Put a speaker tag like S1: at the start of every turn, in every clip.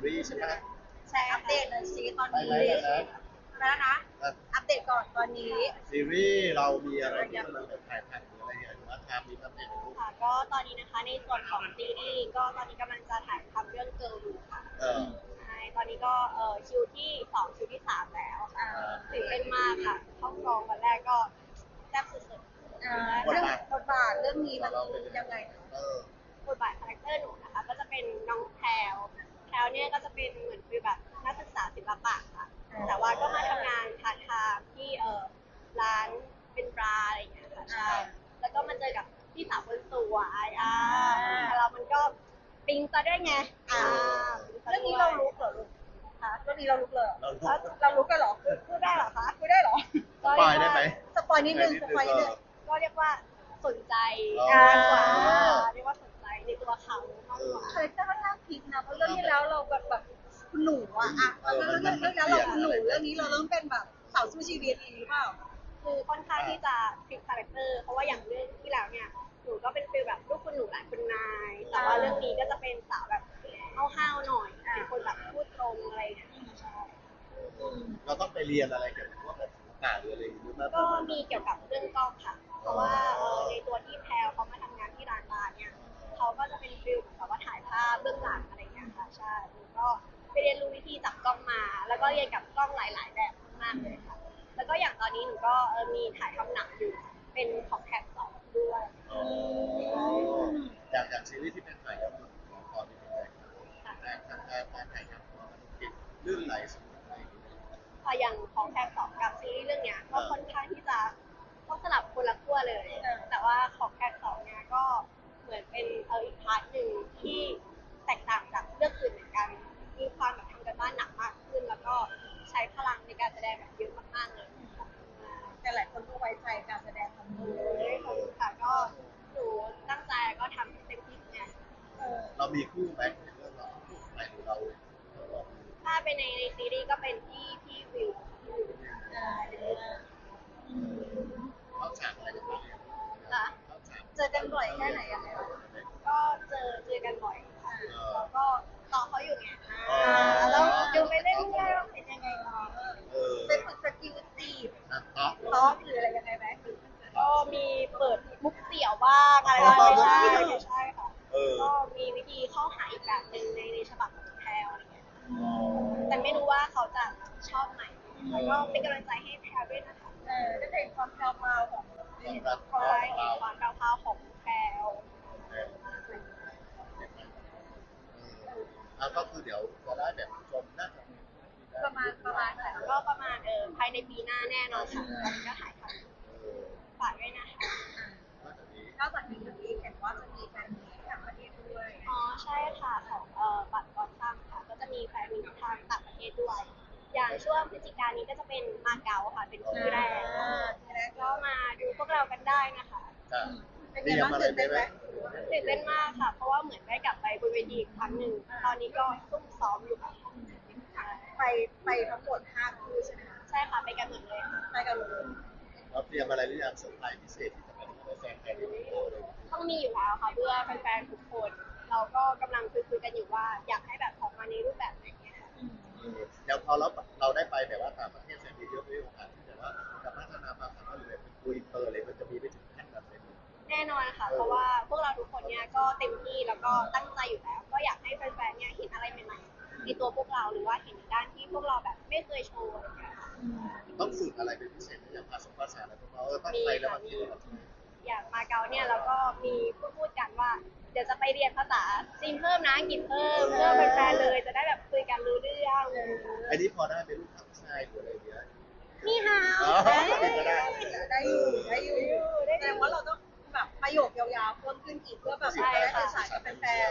S1: รีส์ใช่ไหม
S2: แชร์อัปเดตหน่อยสิตอน
S1: ไป
S2: นี้
S1: แล้วนะ
S2: แล้วนะอัปเดตก่อนตอนนี้
S1: ซีรีส์เรามีอะไรที่กำลังแบบถ่ายทำหรืออะไรอย่างเงี้ยหรือว่าทำมีอัปเดตในรูป
S2: ค่ะก็ตอนนี้นะคะในส่วนของซีรีส์ก็ตอนนี้กำลังจะถ่ายทำเรื่องเกิร์ลรูค่ะ
S1: เออ
S2: ใช่ตอนนี้ก็คิวที่2คิวที่3แล้วตื่นเต้นมากค่ะเข้ากองวันแรกก็แซ่บสุดๆเรื่องบทบาทเรื่องนี้มันยังไง
S1: เออบ
S2: ทบาทคาแรคเตอร์หนูนะคะก็จะเป็นน้องแพรวเนี่ยก็จะเป็นเหมือนคือแบบนักศึกษาศิลปะค่ะแต่ว่าก็มาทำงานพาร์ทไทม์ที่ร้านเป็นบาร์อะไรอย่างเงี้ยค่ะใช่แล้วก็มาเจอกับพี่สาวคนสวยเรามันก็ปิ๊งซะด้วยไงเรื่องนี้เรารู้เหรอลูกคะเรื่องนี้เรารู้เลยเรารู้กันเหรอพูดได้เหรอคะพูดได้เหรอ
S1: สปอยได้ไหม
S2: สปอยนิดนึงสปอยนิดนึงก็เรียกว่าสนใจมากกว่าเรียกว่าสนใจในตัวเขามากกว่าคาแรคเตอร์ค่อนข้างพลิกนะเพราะเรื่องที่แล้วเราแบบคุณหนูเรื่องแล้วเราคุณหนูเรื่องนี้เราเริ่มเป็นแบบสาวสู้ชีวิตหรือเปล่าคือค่อนข้างที่จะพลิกคาแรคเตอร์เพราะว่าอย่างเรื่องที่แล้วเนี่ยหนูก็เป็นฟีลแบบลูกคุณหนูหลานคุณนายแต่ว่าเรื่องนี้ก็จะเป็นสาวแบบห้าวๆหน่อยเป็นคนแบบพูดตรงอะไรอย่างเงี้ย
S1: เราต้องไปเรียนอะไรเกี่ยวกับพวกแบบศิลปะหรืออะไรอย่างเงี้ย
S2: ก็มีเกี่ยวกับเรื่องกล้องค่ะเพราะว่าในตัวที่แพลเขามาทำงานที่ร้านบาร์เนี่ยเขาก็จะเป็นฟิลแบบว่าถ่ายภาพเบื้องหลังอะไรอย่างเงี้ยค่ะใช่หนูก็ไปเรียนรู้วิธีจับกล้องมาแล้วก็เรียนกับกล้องหลายๆแบบมากเลยค่ะแล้วก็อย่างตอนนี้หนูก็มีถ่ายทำหนังอยู่เป็นของแท็กสองด้วย
S1: อย่างซีรีส์ที่เป็นถ่ายกับของคอที่เป็นแต่ทางการถ่ายทำของมันติดลื่นไหลสุดอะไรอย่างเงี้ย
S2: อย่างของแท็กสองกับซีรีส์เรื่องเนี้ยก็ค่อนข้างที่จะต้องสลับคนละขั้วเลยแต่ว่าของแท็กสองเนี้ยก็เหมือนเป็นอีกพาร์ทหนึ่งที่แตกต่างจากเรื่องอื่นเหมือนกันมีความแบบทำกันบ้านหนักมากขึ้นแล้วก็ใช้พลังในการแสดงแบบเยอะมากๆเลยแต่หลายคนก็ไว้ใจการแสดงของหนูขอบคุณค่ะก็หนูตั้งใจก็ทำให้เต็มที่เนี่ย
S1: เรามีคู่ไหมในเรื่องเราคู่ไหมหรือเรา
S2: ถ้าเป็นในซีรีส์ก็เป็นพี่วิว
S1: เขาฉากอะไรกันบ้าง
S2: ค่ะเจอกันบ่อยแค่ไหนยังไงก็เจอกันบ่อยแล้วก็ต่อเขาอยู่ไงแล้วดูไปเรื่อยๆว่าเป็นยังไงเนาะไปฝึกสกิลจีบท็อกหรืออะไรยังไงไหมก็มีเปิดมุกเสี่ยวบ้างอะไรบ้างใช่ค่ะก็มีวิธีเข้าหาอีกแบบหนึ่งในฉบับของแพลวอะไรเงี้ยแต่ไม่รู้ว่าเขาจะชอบไหมแล้วก็เป็นกำลังใจให้แพลวด้วยนะคะได้เห็นความแพลวของความแพลวของแพลว
S1: แล้วก็คือเดี๋ยวจะได้แบบชมน่าจะ
S2: ประมาณค่ะก็ประมาณภายในปีหน้าแน่นอนค่ะตอนนี้ก็ถ่ายทำฝากด้วยนะคะ
S1: นอกจากนี้
S2: เห็นว่าจะมีแฟนมีตต่างประเทศด้วยอ๋อใช่ค่ะของบัตรกอนซัมค่ะก็จะมีแฟนมีตทางต่างประเทศด้วยอย่างช่วงพฤศจิกายนนี้ก็จะเป็นมาเก๊าค่ะเป็นที่แรกก็มาดูพวกเรากันได้นะคะ
S1: เป็นไงบ้างตื่นเต้นไหม
S2: ตื่นเต้นมากค่ะเพราะว่าเหมือนได้กลับไปบนเวทีอีกครั้งหนึ่งตอนนี้ก็ซุ่มซ้อมอยู่ค่ะไปทั้งหมด5คู่ใช่ไหมคะใช่ค่ะไปกันหมดเลยไปกันหมดเลย
S1: เราเตรียมอะไรหรือยังเซอร์ไพรส์พิเศษที่จะเป็นแฟนๆที่ดูเลย
S2: ต้องมีอยู่แล้วค่ะเพื่อแฟนๆทุกคนเราก็กำลังคุยกันอยู่ว่าอยากให้แบบออกมาในรูปแบบไหนเนี่ยค่ะ
S1: เดี๋ยวพอเราได้ไปแบบว่าต่างประเทศแสนดีเยอะด้วยโอกาสที่แบบว่าจะพัฒนาความสามารถหรือแบบเป็นตัวอินเตอร์อะไรมันจะมีไปถึงขั้นแบบเป็น
S2: แน่นอนค่ะเพราะว่าพวกเราทุกคนเนี่ยก็เต็มที่แล้วก็ตั้งใจอยู่แล้วก็อยากให้แฟนๆเนี่ยเห็นอะไรใหม่ๆในตัวพวกเราหรือว่าเห็นด้านที่พวกเราแบบไม่เคยโชว์อะไรอย่างเงี้ยค่ะ
S1: ต้องฝึกอะไรเป็นพิเศษอย่างภาษาอะไรพวกเราต้องไปแล้วมัน
S2: อย่างมาเก๊าเนี่ยเราก็มีพูดกันว่าเดี๋ยวจะไปเรียนภาษาจีนเพิ่มนะอังกฤษเพิ่มเพื่อเป็นแฟนเลยจะได้แบบคุยกันรู้เรื่อง
S1: อันนี้พอได้เป็นลูกทัพชายหรืออะไรเงี้ย
S2: นี่ฮาวได้อยู่แสดงว่าเราต้องแบบประโยคยาวๆเพิ่มขึ้นอีกเพื่อแบบได้สื่อสารกับแฟน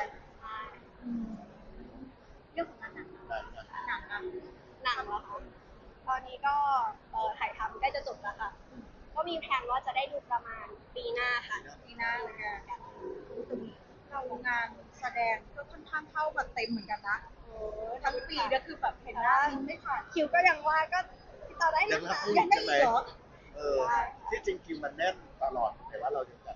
S2: เรื่องของงานหนังเหรอคะตอนนี้ก็ถ่ายทำใกล้จะจบแล้วค่ะก็มีแผนว่าจะได้ดูประมาณปีหน้าค่ะปีหน้าเหมือนกันเรางานแสดงก็ค่อนข้างเข้ามาเต็มเหมือนกันนะทั้งปีก็คือแบบเห็นว่าไม่ขาดคิวก็ยังว่าก็ต่อได้ยังได้อีกเหรอ
S1: ที่จริงคิวมันแน่นตลอดแต่ว่าเรายังแบบ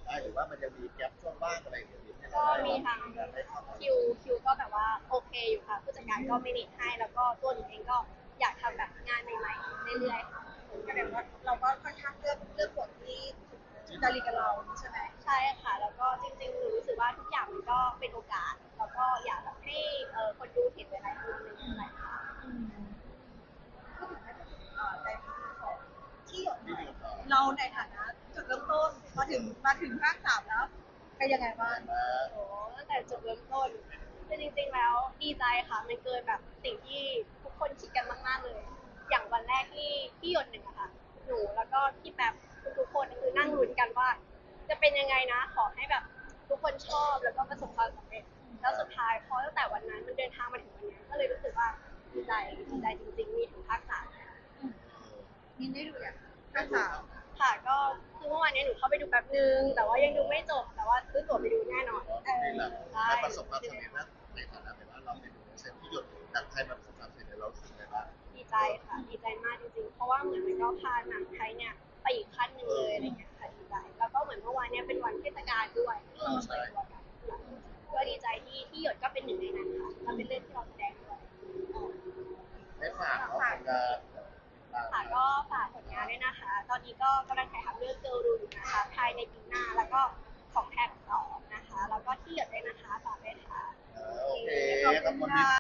S1: ได้หรือว่ามันจะมีแกลบช่วงว่างอะไรอย่างเงี้ยให้
S2: ก็
S1: เราได้
S2: มีทาง
S1: ได้เข้ามา
S2: คิวก็แบบว่าโอเคอยู่ค่ะผู้จัดการก็ไม่นิดให้แล้วก็ตัวหนูเองก็อยากทำแบบงานใหม่ๆเรื่อยๆค่ะแสดงว่าเราก็ค่อนข้างเลือกบทที่จริตกับเราใช่ไหมใช่ค่ะแล้วก็จริงๆหนูรู้สึกว่าทุกอย่างมันก็เป็นโอกาสแล้วก็อยากแบบให้คนดูเห็นหลายๆมุมในหลายๆค่ะพูดถึงในของที่หยดหน่อยเราในฐานะจุดเริ่มต้นมาถึงภาค3แล้วเป็นยังไงบ้างโอ้ตั้งแต่จุดเริ่มต้นคือจริงๆแล้วดีใจค่ะมันเกินแบบสิ่งที่ทุกคนคิดกันมากๆเลย อย่างวันแรกที่หยดหนึ่งอะค่ะหนูแล้วก็พี่แป๊บทุกๆคนคือนั่งลุ้นกันว่า จะเป็นยังไงนะขอให้แบบทุกคนชอบแล้วก็ประสบความสำเร็จแล้วสุดท้ายพอตั้งแต่วันนั้นมันเดินทางมาถึงวันนี้ก็เลยรู้สึกว่าดีใจจริงๆมีถึงภาค3มินได้ดูอย่างภาค3ค่ะก็คือเมื่อวานนี้หนูเข้าไปดูแป๊บนึงแต่ว่ายังดูไม่จบแต่ว่าซื้อตั๋วไปดูแน่นอน
S1: ได้ประสบความสำเร็จนะในฐานะแบบว่าเราเป็นเซนที่หยดหนังไทยมันประสบความสำเร็จเรารู้สึกไงบ้าง
S2: ดีใจค่ะดีใจมากจริงๆเพราะว่าเหมือนมันก็พาหนังไทยเนี่ยไปอีกขั้นหนึ่งเลยอะไรเงี้ยค่ะดีใจแล้วก็เหมือนเมื่อวานเนี่ยเป็นวันเทศกาลด้วยที่เราเปิดตัวกันก็ดีใจที่หยดก็เป็นหนึ่งในนั้นค่ะแล้วเป็นเรื่องที่เราแสดงด้วย
S1: ได้ฝากเนาะงาน
S2: ค่ะก็ฝากผลงานด้วยนะคะ ตอนนี้ก็กำลังถ่ายทำเรื่องเกิร์ลรูอยู่นะคะภายในปีหน้าแล้วก็ของแท็ก2นะคะ แล้วก็ที่หยดด้วยนะคะฝากด้วยค่ะ
S1: โอเคขอบคุณ